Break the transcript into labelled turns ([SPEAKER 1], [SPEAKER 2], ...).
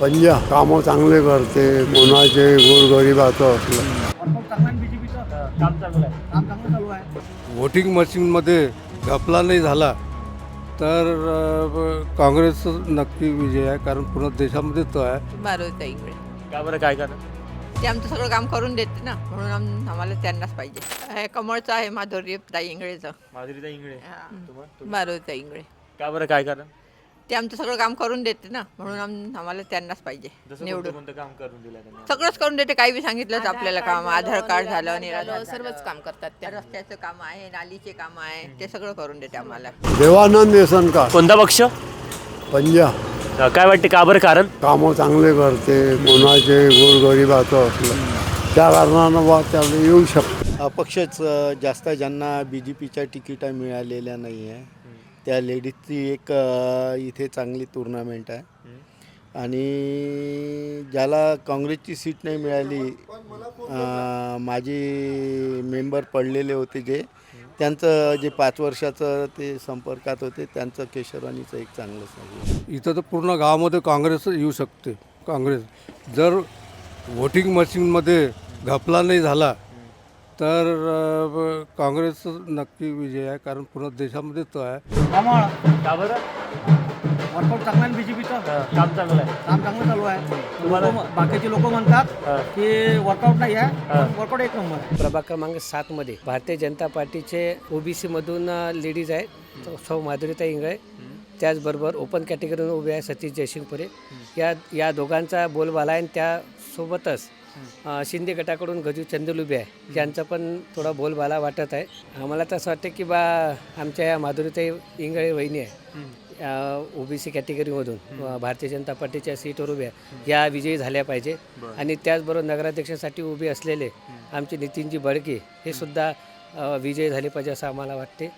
[SPEAKER 1] पंजा कामं चांगले करते, कोणाचे गोरगरिबाचं असलं.
[SPEAKER 2] काम चांगलं चालू आहे.
[SPEAKER 1] वोटिंग मशीनमध्ये घपला नाही झाला तर काँग्रेस नक्की विजय आहे, कारण पूर्ण देशामध्ये तो आहे.
[SPEAKER 3] मारुती इंगळे.
[SPEAKER 2] का बरं, काय कारण?
[SPEAKER 3] ते आमचं सगळं काम करून देते ना, म्हणून आम्हाला त्यांनाच पाहिजे. हे कमळचं आहे माधुरी ताई इंगळेचं.
[SPEAKER 2] माधुरीताई इंगळे.
[SPEAKER 3] मारुती इंगळे.
[SPEAKER 2] का बरं, काय कारण?
[SPEAKER 3] ते आमचं सगळं काम करून देते ना, म्हणून आम्हाला त्यांनाच पाहिजे
[SPEAKER 2] जसं
[SPEAKER 3] निवडून.
[SPEAKER 2] कोणतं काम करून दिलं त्यांनी?
[SPEAKER 3] सगळंच करून देते, काही बी सांगितलं आपल्याला काम. आधार कार्ड झालं, निराधार
[SPEAKER 4] सर्वच काम करतात त्या.
[SPEAKER 3] रस्त्याचं काम आहे, नालीचे काम आहे, ते सगळं करून देते आम्हाला.
[SPEAKER 1] देवानंद येसनकार
[SPEAKER 2] कोणता पक्ष?
[SPEAKER 1] पंजा
[SPEAKER 2] काय वाटते, का बरं कारण?
[SPEAKER 1] कामं चांगले करते, कोणाचे गोरगरिबाचं असलं त्या कारणानं बा त्याला येऊ शकतो.
[SPEAKER 5] अपक्षच जास्त ज्यांना बी जे पीच्या तिकिटा मिळालेल्या नाही आहे त्या लेडीजची एक इथे चांगली टुर्नामेंट आहे. आणि ज्याला काँग्रेसची सीट नाही मिळाली, माझे मेंबर पडलेले होते जे, त्यांचं जे 5 वर्षाचं ते संपर्कात होते, त्यांचं केशरवाणीचं एक चांगलं सांगितलं.
[SPEAKER 1] इथं तर पूर्ण गावामध्ये काँग्रेस येऊ शकते. काँग्रेस जर वोटिंग मशीनमध्ये घपला नाही झाला तर काँग्रेस नक्की विजय आहे, कारण पूर्ण देशामध्ये तो आहे.
[SPEAKER 2] का बरं?
[SPEAKER 6] वर्कआउट चांगला आहे बीजेपीचं.
[SPEAKER 2] काम चांगलं आहे.
[SPEAKER 6] काम चांगलं चालू आहे.
[SPEAKER 2] तुम्हाला?
[SPEAKER 6] बाकीचे लोक म्हणतात की वर्कआउट नाही आहे, वर्कआउट एक नंबर आहे.
[SPEAKER 7] प्रभाग क्रमांक 7मध्ये भारतीय जनता पार्टीचे OBC मधून लेडीज आहेत सौ माधुरीताई इंगळे, त्याचबरोबर ओपन कॅटेगरीतून उभे आहे सतीश जयसिंगपुरे. या दोघांचा बोलबाला आहे. त्यासोबतच शिंदे गटाकडून गजू चंदुल उभे आहे, यांचा पण थोडा बोलबाला वाटत आहे. आम्हाला तर असं वाटतं की आमच्या या माधुरीताई इंगळे वहिनी आहे, OBC कॅटेगरीमधून भारतीय जनता पार्टीच्या सीटवर उभ्या, या विजयी झाल्या पाहिजे. आणि त्याचबरोबर नगराध्यक्षासाठी उभे असलेले आमचे नितीनजी बडके हे सुद्धा विजयी झाले पाहिजे असं आम्हाला वाटते.